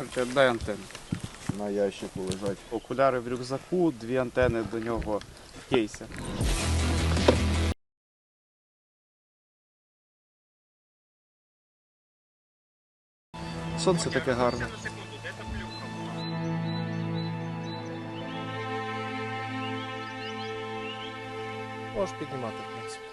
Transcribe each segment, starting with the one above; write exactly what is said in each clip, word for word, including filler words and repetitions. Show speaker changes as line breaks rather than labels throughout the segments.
Короче, дай антенну.
На ящику лежать.
Окуляри в рюкзаку, дві антени до нього в кейсі. Сонце таке гарне.
Можеш піднімати, в принципі.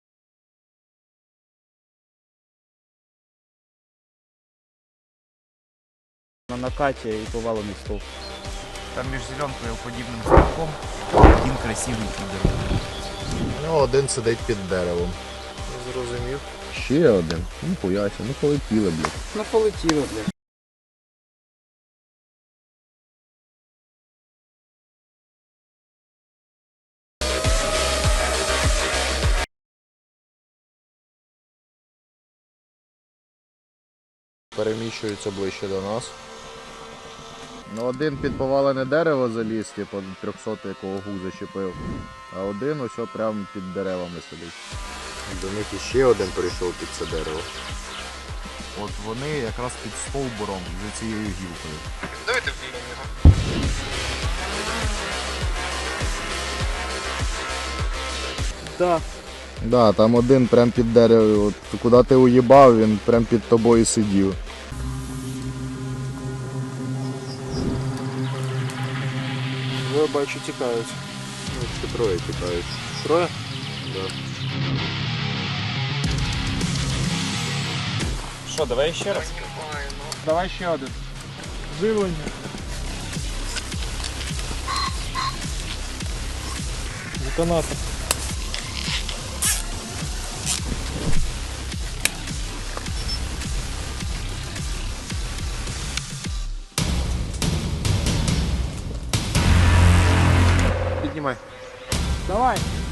На накаті і повалений стовп.
Там між зеленкою і подібним стовпом один красивий підер.
Ну, один сидить під деревом.
Зрозумів.
Ще один. Ну, пояся, ну полетіли, блядь.
Ну полетіло, блядь.
Переміщуються ближче до нас. Ну, один під повалене дерево заліз, типу трьохсотий, якого гук зачепив. А один ось прямо під деревами сидить. До них іще один прийшов під це дерево. От вони якраз під стовбуром за цією гілкою.
Давайте вб'ємо його.
Да.
Да, там один прям під деревом. От куди ти уїбав, він прям під тобою сидів.
Ви бачу, тікають.
Ну, ще троє тікають.
Троє?
Да.
Що, давай ще раз?
Давай ще один. Живлення. Детонатор.
Піднімай.
Давай.